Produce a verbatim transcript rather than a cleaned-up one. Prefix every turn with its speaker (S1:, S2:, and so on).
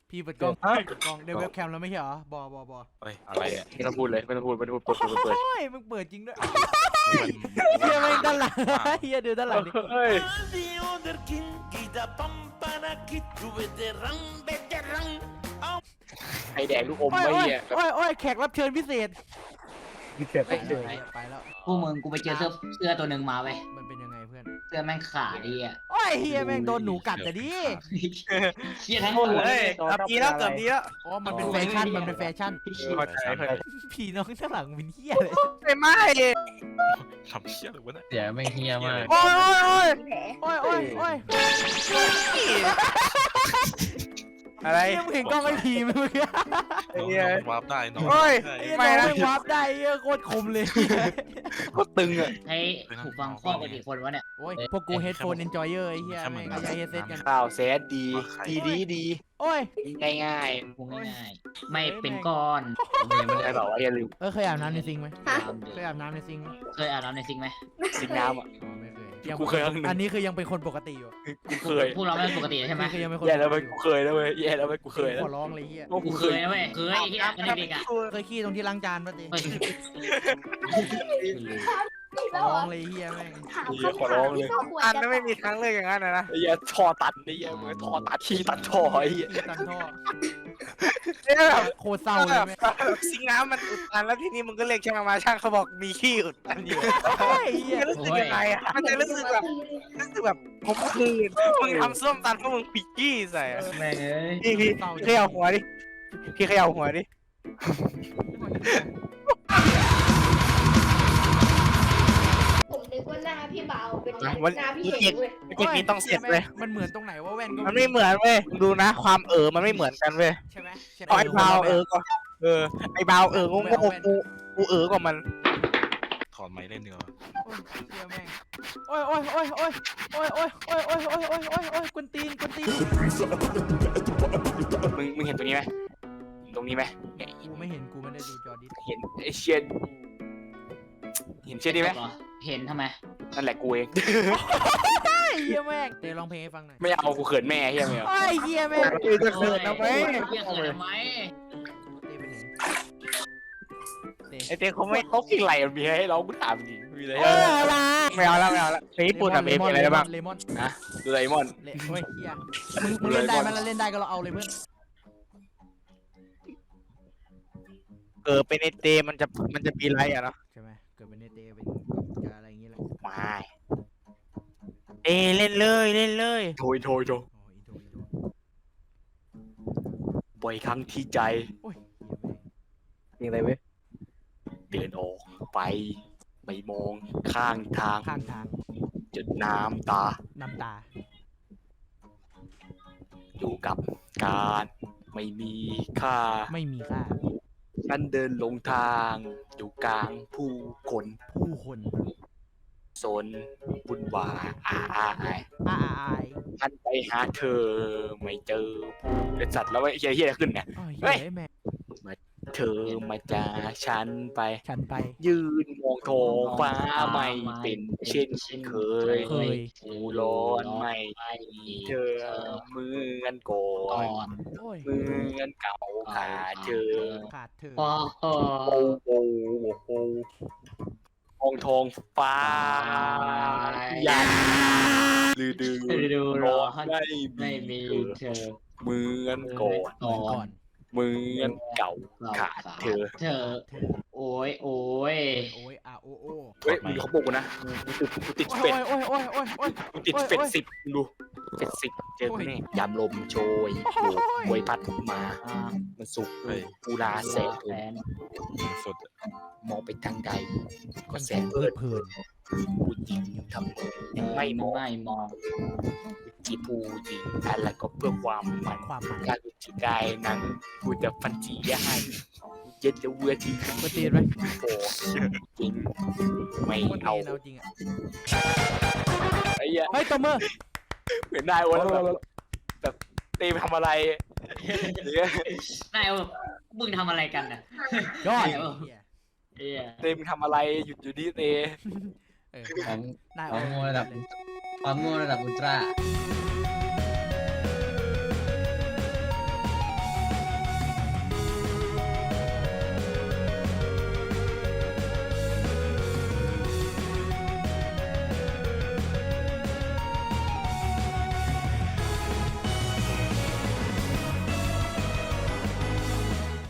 S1: พี่เปิดกล้องกล้องเดี๋ยวเว็บแคมแล้วไม่ใช่เหรอบอบอบอ
S2: เฮ้ยอะไรอ่ะ
S3: ไม่ต้องพูดเลยไม่ต้องพูดไม่ต้องพูดเปิดเปิดเปิด
S1: โอ้ยมึงเปิดจริงด้วยเฮียแม่งด้านหลังเฮียดูด้านหลังดิ
S3: เฮ้ย ไอแดงลูกอม
S1: โอ้ย
S3: ไม่
S1: โอ้ย
S3: เนี่ย
S1: โอ้ยโอ้ยแขกรับเชิญพิเศษ
S3: เกิด
S1: ไป
S3: ไม่
S1: เล
S3: เลย ย
S1: ไปแล้ว
S4: พวกมึงกูไปเจอเสื้อเสื้อตัวหนึ่งมาเว้ย
S1: มันเป็นยังไงเพื่อน
S4: เสื้อแม่งขาดดีอ่ะ
S1: โอ้ยเฮียแม่งโดนหนูกัดแต่ดิ
S4: เชี่ยทั้งตัว
S5: เฮ้ยเกือบดีแล้วเกือบดีแล้ว
S1: อ๋อมันเป็นแฟชั่นมันเป็นแฟชั่น
S3: เข้าใจเข้าใจ
S1: พี่น้องด้านหลังเป็นเฮียเลย
S5: ไม่ไม่
S2: ทำเชี่ยเลยวะเนี่ย
S6: เดี๋ยวไม่เฮียมาก
S5: โอ้ยโอ้ย
S1: โอ้ยโอ้ยโอ้ย
S5: อะไร
S1: เฮียมึงเห็นกล้องไอพีไหมเมื่อกี้
S5: ไอ้
S2: น้อง
S5: เหี้ย
S2: วาร์ปได้น้อง
S5: โอ้ย
S2: ได้
S1: เฮีย
S5: ไม่
S1: น้อง
S5: นะ
S1: แม่งวาร์ปได้เฮียโคตรคมเลย
S3: ก็ตึงอ่ะ
S4: ให้ถูกฟังข้อกันกี่คนวะเนี่ย
S1: โอ้ยพวกกูเฮดโฟนเอนจอยเออร์ไอ้เฮียแม่งก็ย้ายเฮดเซตกัน
S3: ข่าวแซดดีดีดีดี
S1: โอ้ย
S3: ง่ายง่าย
S4: กูง่ายๆไม่เป็นก้อน
S3: ไม่ได้บอกว่าอย่าลืม
S1: เออเคยอาบน้ำในซิงค์ไหม
S4: ตาม
S1: เคยอาบน้ำในซิงค์ไหม
S4: เคยอาบน้ำในซิงค์ไหม
S3: สิงน้ำอ่ะ
S1: อ๋อไม่เคยยัง
S3: กูเคยครั้งหนึ่ง
S1: อันนี้คือยังเป็นคนปกติอยู่
S3: กูเคย
S4: พวกเราไม่ปกติใช่ไหม
S1: คือยังเป็นคน
S3: แย่แล้วไป
S1: ปกติ
S3: กูเคยแล้วเว้ยแย่แล้วไปกูเคยแล้ว
S1: ขอร้องเลยเฮีย
S3: ว่า
S4: กู
S3: กู
S4: เค
S3: เค
S4: ย
S3: ย
S4: นะเว้ยเคยที่อาบกันเด็กๆอ่ะ
S1: เคยขี้ตรงที่ล้างจานปะติ
S4: เฮ้ย
S1: ขอร้องเลยเฮียแม่ง
S3: ขอร้องเลย
S5: อันนั้นไม่มีครั้งเลยอย่างนั้นนะนะ
S3: ไอ้เหี้ยท่อตัดไอ้เหี้ยเหมือนท่อตัดขี้ตัดท่อไอ้เหี้ย
S1: ขี้ตันท่อ
S5: เนี่ยแบบ
S1: โคตรเศร้าเลยแม่ง
S5: ซิงน้ำมันอุดตันแล้วทีนี้มึงก็เรียกช่างมาช่างเขาบอกมีขี้อุดตันอยู่
S1: โอ้ยเฮีย
S5: จะรู้สึกยังไงอ่ะมันจะรู้สึกแบบรู้สึกแบบผมคืนมึงทำส้มตันเพราะมึงปีกี้ใส่อะ
S4: แม่งเอ้ย
S5: พี่พี่เขย่าหัวดิพี่เขย่าหัวดิ
S7: ผมนึกว่าหน้าพี่เบาเป็นห
S5: วัน
S7: น้าพี่
S5: นี้
S7: เอกเว้ย
S5: เทคนิคต้องเสร็จเลย
S1: มันเหมือนตรงไหนว่าแว่นก็
S5: มันไม่เหมือนเว้ยดูนะ ความเออมันไม่เหมือนกันเว้ย
S1: ใช่ไหมใช่ไหม
S5: เอาไอ้เบาเออก็เออไอ้เบาเออโง่ๆกูกูเออกว่ามัน
S2: ถอดไม้เล่นเนื้อ
S1: เฮียแม่งโอ้ยโอ้ยโอ้ยโอ้ยโอ้ยโอ้ยโอ้ยโอ้ยโอ้ยโอ้ยโอ้ยโอ้ยกุนตีนกุนตีน
S3: มึงมึงเห็นตรงนี้ไหมตรงนี้ไหมเนี่ย
S1: กูไม่เห็นกูไม่ได้ดูจอดิส
S3: เห็นไอ้เชียนเห็นเชียนนี่ไหม
S4: เห็นทำไม
S3: นั่นแหละกูเอง
S1: เฮียแม่งเดี๋ยวร้องเพลงให้ฟังหน่อย
S3: ไม่เอากูเขินแม่เฮียไม่เอา
S1: โอ้ยเฮียแม่ง
S5: คือจะเขินทำไม
S4: เรียกเขินทำไม
S1: เต้ไปไหนเต้
S5: ไอ้เต้เขาไม่
S3: เขาเพลงอะไรมันมีให้ร้องกูถามจริงมีอะไร
S1: เอ
S3: ให้
S1: อละ
S5: ไม่เอาแล้วไม่เอาแล้วเพลงญี่ปุ่นอะเพลงอะไรได้บ้าง
S1: เลมอน
S3: ดูไดมอน
S1: เลเฮ้ยเฮียมึงมึงเล่นได้มันเล่นได้ก็เราเอาเลยเพื่อน
S5: เออเป็นไอเตมันจะมันจะมีไรอะเนาะ
S1: ใช่ไหมเกิดเป็นเนเต้เป็นกับอะไรอย่างเงี้ยแหละ
S3: ไม่
S5: เอเล่นเลยเล่นเลย
S3: โถยโถยโถย
S1: โอ้ยอีโดอีโด
S3: บ่อยครั้งที่ใจ
S1: โอ้ยเฮียแม่ง
S5: เพลงอะไรเว้ย
S3: เดินออกไปไม่มองข้างทาง
S1: ข้างทาง
S3: จนน้ำตา
S1: น้ำตา
S3: อยู่กับการไม่มีค่า
S1: ไม่มีค่า
S3: ฉันเดินลงทางอยู่กลางผู้คน
S1: ผู้คน
S3: สนบุญวายอาอาย
S1: อ้าอาย
S3: ฉันไปหาเธอไม่เจอผู้เด็ดสัตว์แล้วไอ้เฮียเฮียขึ้นเนี่ย
S1: โอ้ย
S3: เฮ้
S1: เฮี
S3: ย
S1: ยแม่ง
S3: เธอมาจากฉันไป
S1: ฉันไป
S3: ยืนมองท้องฟ้าไม่เป็นเช่นเคย
S1: เคย
S3: หูร้อนไม่มีเธอเหมือนก่อ
S4: ก่
S3: น
S4: อน
S1: โอ้ย
S3: เหมือนเก่าขาดเธอ
S1: ขาดเธอ
S4: พอเออ
S3: โอ้โหโอ้โหมองท้องฟ้ายันดือดือ
S4: ดูรอให้
S3: ไม่
S4: ไม่มีเธอ
S3: เหมือนก่อน
S4: ก่อ
S1: ก่อน น
S3: เหมือนเก่าขาดเธอ
S4: เธอ
S1: เธอ
S4: โอ้ยโอ้ย
S1: โอ้ยอาโอโอ
S3: เฮ้ยมึงเขาบอกกูนะกูติดกูติด
S1: โอ้
S3: เป็ด
S1: ยโอ้ยโอ้ยโอ้ยโอ้ย
S3: กูติด
S1: โอ้ย
S3: เป็ด
S1: โอ้ย
S3: สิบมึงดูเป็ดสิบเจอกูแน่ยามลมโชย
S1: โอ้ย
S3: โวยพัดมา
S4: อ่า
S3: มันสุกกูลาแสน
S4: แสน
S2: สุด
S3: มองไปทางใดก็แสน
S1: เพลิ
S3: เอิ
S1: ด
S3: ด
S1: เพลิน
S3: ผู้หญิงทำมือไม่มอง
S4: ไม่มอง
S3: จีผู้หญิงอะไรก็เพื่อความมัน
S1: ความหมาย
S3: การจีกายนั้นกูจะฟันจีให้เย็นจะเวอร์ที
S1: มาตีนไหม
S3: โอ้จริงไม่
S1: มัน
S3: เอา
S1: ตีนเอาจริงอ่ะ
S3: ไอ้เหี้ย
S1: เฮ้ยตบมือ
S3: เหมือนนายโอ้แล้วแบบแบบตีมทำอะไรหรือน
S4: ายแบบมึงทำอะไรกันน่ะ
S1: ยอด
S4: เออ
S1: เหี้ย
S4: เอ้ย
S3: ตีมทำอะไรหยุดอยู่ดีเต
S1: เออ
S6: ของ
S1: นาย
S6: ของโมระดับความโง่ระดับอุลตร้า
S1: เ